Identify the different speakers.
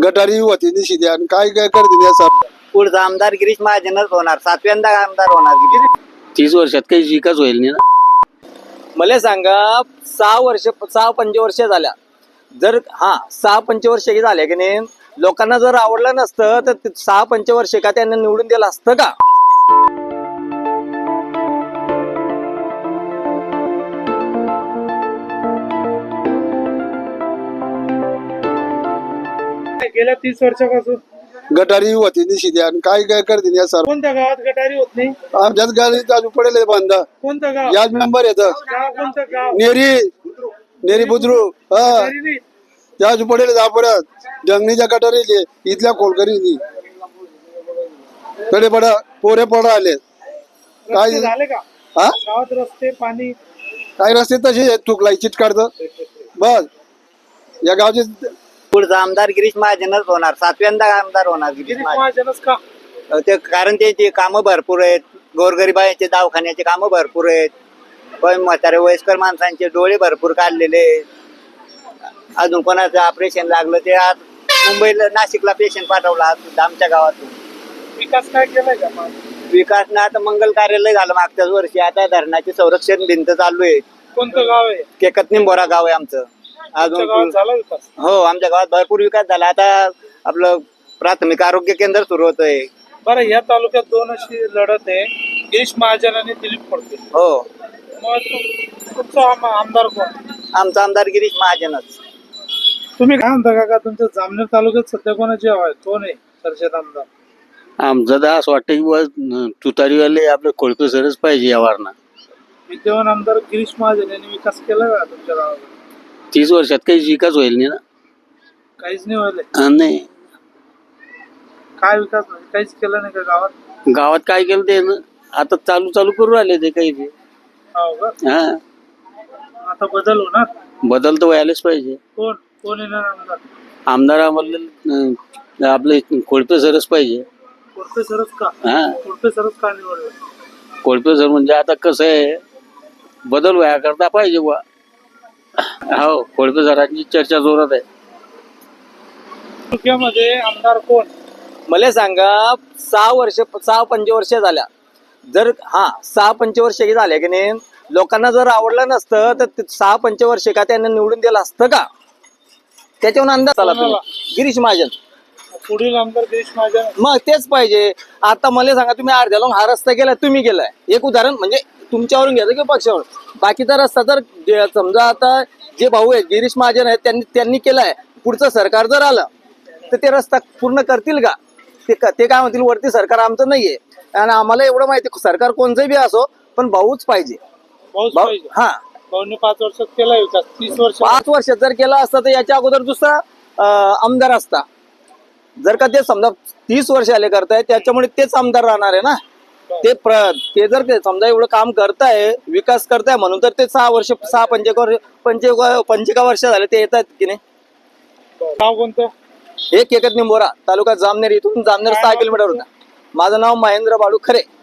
Speaker 1: गटारी होती निशी द्या आणि काय काय करते या सर.
Speaker 2: पुढचा आमदार गिरीश महाजनच होणार, 7व्यांदा आमदार होणार गिरीश.
Speaker 3: 30 वर्षात काही विकास होईल नाही ना.
Speaker 4: मला सांगा 6 पंचवर्ष झाल्या, जर 6 पंचवर्ष झाले की नाही, लोकांना जर आवडलं नसतं तर 6 पंचवर्ष का त्यांना निवडून दिलं असतं का?
Speaker 5: गेल्या 30 वर्षापासून
Speaker 1: गटारी होती निशी द्या आणि काय काय करते या सर.
Speaker 5: कोणत्या गावात गटारी होत नाही?
Speaker 1: आमच्याच गाडी चालू पडेल बंद.
Speaker 5: कोणतं गाव?
Speaker 1: याच नंबर येतं
Speaker 5: गाव कोणतं गाव?
Speaker 1: नेरी बुद्रू
Speaker 5: गटारी नाही.
Speaker 1: त्याच पडेल परत जंगलीच्या गटारी इथल्या खोलकरी कडे पडा पोरे पडा आले.
Speaker 5: रस्ते झाले का
Speaker 1: हा
Speaker 5: गावात? रस्ते पाणी
Speaker 1: काय रस्ते तसे चुकलाई चिटकाडतं बस. या गावचे
Speaker 2: पुढचा आमदार गिरीश महाजनच होणार, 7व्यांदा आमदार होणार गिरीश
Speaker 5: गिरीश
Speaker 2: महाजन.
Speaker 5: महाजनच का?
Speaker 2: ते कारण त्याची कामं भरपूर आहेत, गोरगरिबांचे दवाखान्याचे कामं भरपूर आहेत, पण म्हातारे वयस्कर माणसांचे डोळे भरपूर काढलेले आहेत. अजून कोणाचं ऑपरेशन लागलं ते आज मुंबईला नाशिकला पेशंट पाठवला आमच्या गावातून.
Speaker 5: विकास काय केलाय का मग?
Speaker 2: विकास ना आता मंगल कार्यालय झालं मागच्याच वर्षी, आता धरणाची संरक्षण भिंत चालू आहे.
Speaker 5: कोणतं गाव आहे?
Speaker 2: केकत निंबोरा गाव आहे आमचं.
Speaker 5: तुमच्या गावात झाला विकास?
Speaker 2: हो, आमच्या गावात भरपूर विकास झाला. आता आपलं प्राथमिक आरोग्य केंद्र सुरू होतंय.
Speaker 5: बरं, या तालुक्यात दोन अशी लढत आहे, गिरीश महाजन आणि दिलीप फडके.
Speaker 2: हो,
Speaker 5: मग तुमचा आमदार कोण?
Speaker 2: आमचा आमदार गिरीश महाजनच.
Speaker 5: तुम्ही काय म्हणता काका, तुमच्या जामनेर तालुक्यात सध्या कोणाची हवा आहे? कोण आहे चर्चेत आमदार?
Speaker 3: आमचं तर असं वाटतं की तुतारीवाले आपलं खोळके सरच पाहिजे या वारणा.
Speaker 5: विद्यमान आमदार गिरीश महाजन यांनी विकास केला का तुमच्या गावात?
Speaker 3: 30 वर्षात काही विकास होईल नाही ना.
Speaker 5: काहीच नाही व्हायला.
Speaker 3: नाही,
Speaker 5: काय विकास म्हणजे काहीच केलं नाही का गावात?
Speaker 3: गावात काय केलं ते ना, आता चालू करू राहिले ते काही ते.
Speaker 5: हो का?
Speaker 3: हा,
Speaker 5: आता बदल होणार.
Speaker 3: बदल तर व्हायलाच पाहिजे.
Speaker 5: कोण कोण येणार आमदार?
Speaker 3: आमदार आम्हाला आपले खोळपे सरच पाहिजे.
Speaker 5: कोळपे सरच का?
Speaker 3: हा,
Speaker 5: कोळपे सरच का निवडलं?
Speaker 3: खोळपे सर म्हणजे आता कसं आहे, बदल व्हाया करता पाहिजे बुवा. हो, खोळपे सरांची चर्चा जोरात आहे.
Speaker 5: तालुक्यामध्ये आमदार कोण?
Speaker 4: मला सांगा 6 पंचवर्ष झाल्या, जर 6 पंचवर्ष झाले की नाही, लोकांना जर आवडलं नसतं तर 6 पंचवर्ष का त्यांना निवडून दिलं असतं का? त्याच्यावर अंदाज आला तुम्ही. गिरीश महाजन
Speaker 5: पुढील आमदार गिरीश महाजन.
Speaker 4: मग तेच पाहिजे. आता मला सांगा, तुम्ही अर्ध्याला हा रस्ता केलाय, तुम्ही केलाय, एक उदाहरण म्हणजे तुमच्यावरून घ्यायचं किंवा पक्षावर. बाकीचा रस्ता तर समजा आता जे भाऊ आहेत गिरीश महाजन आहेत त्यांनी केलाय, पुढचं सरकार जर आलं तर ते रस्ता पूर्ण करतील का? ते काय म्हणतील, वरती सरकार आमचं नाहीये. आणि आम्हाला एवढं माहिती, सरकार कोणचं बी असो पण भाऊच पाहिजे.
Speaker 5: भाऊच पाहिजे.
Speaker 4: हा,
Speaker 5: भाऊने 5 वर्षात केला विकास. 30 वर्ष
Speaker 4: 5 वर्षात जर केला असता तर याच्या अगोदर दुसरा आमदार असता. जर का ते समजा 30 वर्ष आले करताय, त्याच्यामुळे तेच आमदार राहणार आहे ना. ते जर समजा एवढं काम करताय, विकास करताय म्हणून तर ते 6 पंचेका वर्ष झाले ते येतात की नाही.
Speaker 5: गाव कोणतं?
Speaker 4: एक केकत निंबोरा, तालुका जामनेर, इथून जामनेर 6 किलोमीटर होता. माझं नाव महेंद्र बाळू खरे.